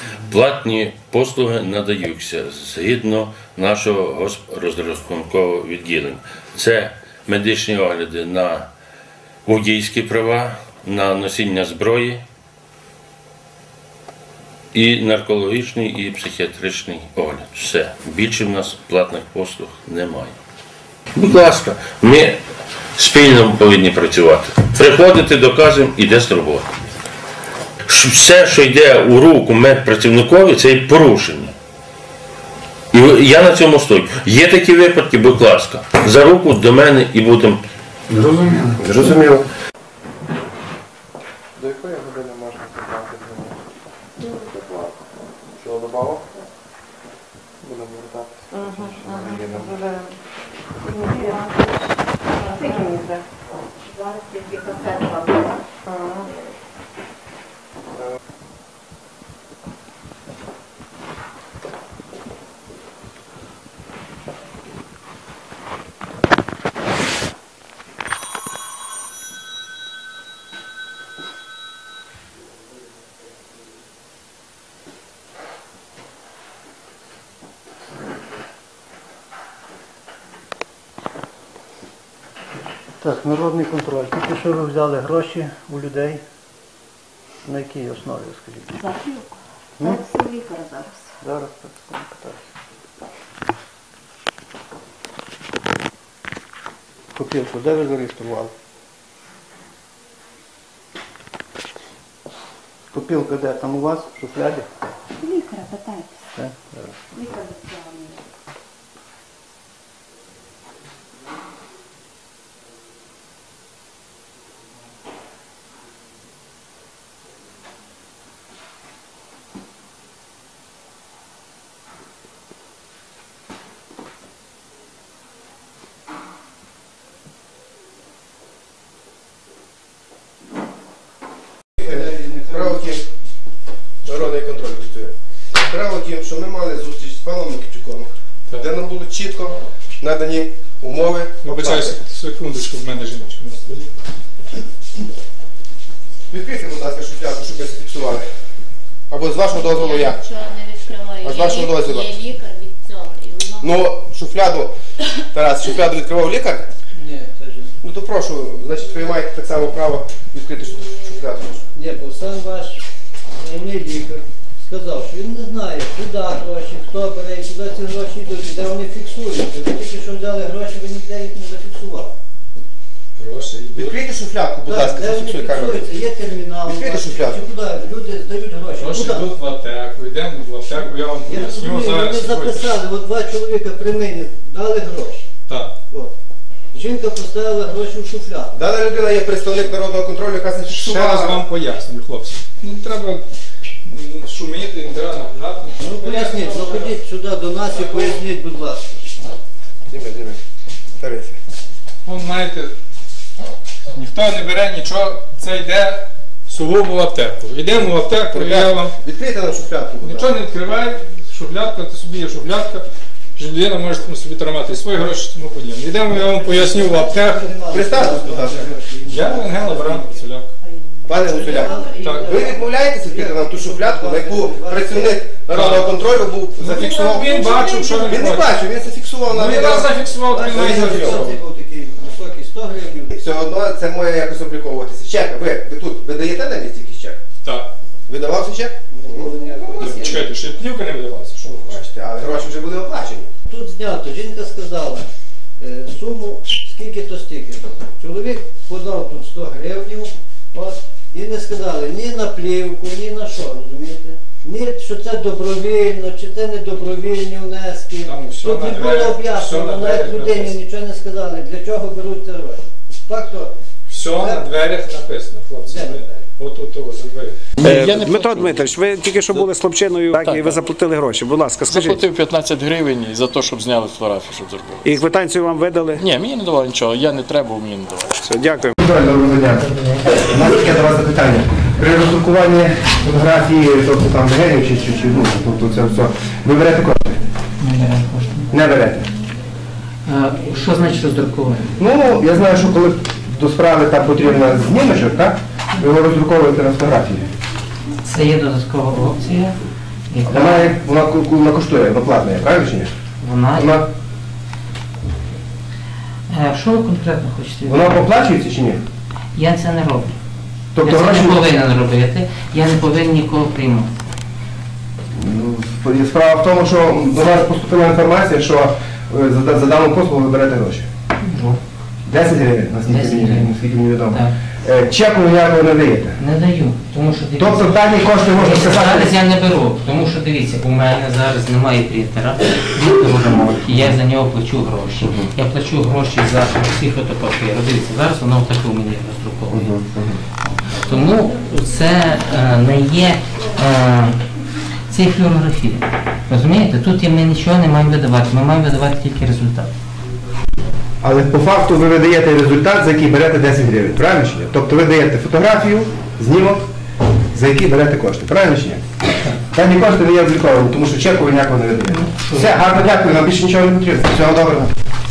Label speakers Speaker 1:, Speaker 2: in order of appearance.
Speaker 1: Платні послуги надаються згідно нашого розрахункового відділення. Це медичні огляди на водійські права, на носіння зброї, і наркологічний, і психіатричний огляд. Все. Більше в нас платних послуг немає. Будь ласка, ми спільно повинні працювати. Приходити, доказуємо, іде з роботи. Все, що йде у руку медпрацівникові, це і порушення. І я на цьому стою. Є такі випадки, будь ласка, за руку до мене і будемо.
Speaker 2: Зрозуміло.
Speaker 3: До якої години можна забрати з ними? Що, добавок? Будемо вертатися.
Speaker 4: Зараз тільки касетка була.
Speaker 5: Так, народний контроль. Тільки що ви взяли гроші у людей. На якій основі, скажіть?
Speaker 4: За плівку. Це всі лікарі зараз.
Speaker 5: Зараз так питаюся. Копілку, де ви зареєстрували? Копілка де? Там у вас? В шуфляді?
Speaker 4: Лікаря питайтеся.
Speaker 5: Так, зараз.
Speaker 4: Лікар відправлений.
Speaker 2: Справа в тім, народний контроль працює. Справа в тім, що ми мали зустріч з паном Микитюком, де нам були чітко надані умови.
Speaker 6: Вибачаюся, секундочку, в мене жіночка на столі.
Speaker 2: Відкрийте, будь ласка, шуфляду, щоб ми зафіксували. Або з вашого дозволу я.
Speaker 4: Нічого не відкриваю.
Speaker 2: А з вашого дозволу?
Speaker 4: Є лікар від цього. І воно...
Speaker 2: Ну, шуфляду, Тарас, шуфляду відкривав лікар?
Speaker 7: Ні, це ж
Speaker 2: Ну то прошу, значить ви маєте так само право відкрити шуфляду.
Speaker 7: ні, бо сам ваш головний лікар сказав, що він не знає, куди гроші, хто бере, і куди ці гроші йдуть, і де вони фіксуються. Ви тільки що взяли гроші, ви ніде їх не зафіксували.
Speaker 6: Гроші йдуть.
Speaker 2: Відкрийте шуфлядку, будь ласка,
Speaker 7: де вони
Speaker 2: зафіксуй камеру.
Speaker 7: фіксуються, є термінал,
Speaker 2: Відкрийте шуфлядку.
Speaker 7: чи куди люди здають гроші.
Speaker 6: Гроші
Speaker 7: Куди?
Speaker 6: йдуть в аптеку, йдемо в аптеку, я вам
Speaker 7: Я
Speaker 6: поясню
Speaker 7: розумію,
Speaker 6: зараз.
Speaker 7: вони записали, от два чоловіка при мені дали гроші.
Speaker 6: Так.
Speaker 7: От. Жінка поставила гроші в шуфляду.
Speaker 2: Дана людина є представник народного контролю, яка
Speaker 6: Ще
Speaker 2: зафіксувала.
Speaker 6: раз вам пояснюю, хлопці. Не треба шуміти, не треба нагадати.
Speaker 7: Ну поясніть, заходіть сюди до нас і поясніть, будь ласка.
Speaker 2: Діме, Тарися.
Speaker 6: Вон, знаєте, ніхто не бере нічого, це йде сугубо в аптеку. Йдемо в аптеку, і я вам
Speaker 2: Відкрийте нам шуфлядку, будь ласка.
Speaker 6: нічого не відкривай, шуфлядка, то собі є шуфлядка, людина може собі тримати свої гроші, тому подібне. Йдемо, я вам поясню в аптеку.
Speaker 2: Представтесь, будь ласка.
Speaker 6: Я Ангел Абрам Гуцуляк.
Speaker 2: Пане Гуцуляк,
Speaker 6: Так.
Speaker 2: ви відмовляєтеся відкрити нам ту шуфлядку, на яку працівник народного контролю був зафіксував?
Speaker 6: Він бачив, що
Speaker 2: Він не бачив, він зафіксував на
Speaker 6: Він
Speaker 2: відео.
Speaker 6: нас зафіксував, він нас зафіксував.
Speaker 7: Це був такий високий 100 гривень.
Speaker 2: Все одно це має якось обліковуватися. Чек, ви тут видаєте на місці якийсь чек?
Speaker 6: Так.
Speaker 2: Видавався чек?
Speaker 6: Чекайте, ще плівка не видавалася, що ви хочете?
Speaker 2: Бачите, але гроші вже були оплачені.
Speaker 7: Тут знято, жінка сказала суму скільки-то стільки-то. Чоловік подав тут 100 гривень, от, і не сказали ні на плівку, ні на що, розумієте? Ні, що це добровільно, чи це не добровільні внески.
Speaker 6: Там все
Speaker 7: Тут
Speaker 6: на
Speaker 7: не було
Speaker 6: дверях, все
Speaker 7: об'яснено,
Speaker 6: на
Speaker 7: навіть
Speaker 6: дверях
Speaker 7: людині
Speaker 6: написано.
Speaker 7: нічого не сказали, для чого беруть ці гроші. Так то.
Speaker 6: Все на дверях написано, хлопці.
Speaker 7: Де на дверях?
Speaker 6: От за двері.
Speaker 8: Дмитро Дмитрович, ви тільки що були з хлопчиною, так, і ви заплатили гроші. Будь ласка, скажіть.
Speaker 9: Заплатив 15 гривень за те, щоб зняли фотографію, щоб зробили.
Speaker 8: І квитанцію вам видали?
Speaker 9: Ні, мені не давали нічого, я не треба, мені не давали.
Speaker 8: Все, дякую.
Speaker 2: Доброго дня. У нас таке до вас запитання. При роздрукуванні фотографії, тобто там генів чи ну, тобто це все, ви берете кошти? Не берете.
Speaker 10: Що значить роздрукування?
Speaker 2: Ну, я знаю, що коли до справи там потрібно знімочок, так? Ви його роздруковуєте на фотографії.
Speaker 10: Це є додаткова опція.
Speaker 2: Вона коштує, вона платна, правильно чи ні?
Speaker 10: Вона... Що ви конкретно хочете?
Speaker 2: Вона оплачується чи ні?
Speaker 10: Я це не роблю.
Speaker 2: Тобто
Speaker 10: Я це
Speaker 2: гроші...
Speaker 10: не повинен робити, я не повинен нікого приймати.
Speaker 2: Справа в тому, що до нас поступила інформація, що за дану послугу ви берете гроші. 10 гривень, наскільки мені відомо. Чеку ніякого не даєте?
Speaker 10: Не даю, тому що дивіться.
Speaker 2: Тобто дані кошти можна сказати?
Speaker 10: Зараз я не беру, тому що дивіться, у мене зараз немає принтера, Віктор ремонт, і я за нього плачу гроші. Я плачу гроші за всі фотопапіри. Дивіться, зараз воно в таку мені роздруковує. Тому це не є це флюорографія. Розумієте? Тут ми нічого не маємо видавати, ми маємо видавати тільки результат.
Speaker 2: Але по факту ви видаєте результат, за який берете 10 гривень, правильно чи ні? Тобто ви даєте фотографію, знімок, за який берете кошти, правильно чи ні? Дані кошти не є обліковані, тому що чеку ви ніякого не видаєте. Все, гарно дякую, нам більше нічого не потрібно. Всього доброго.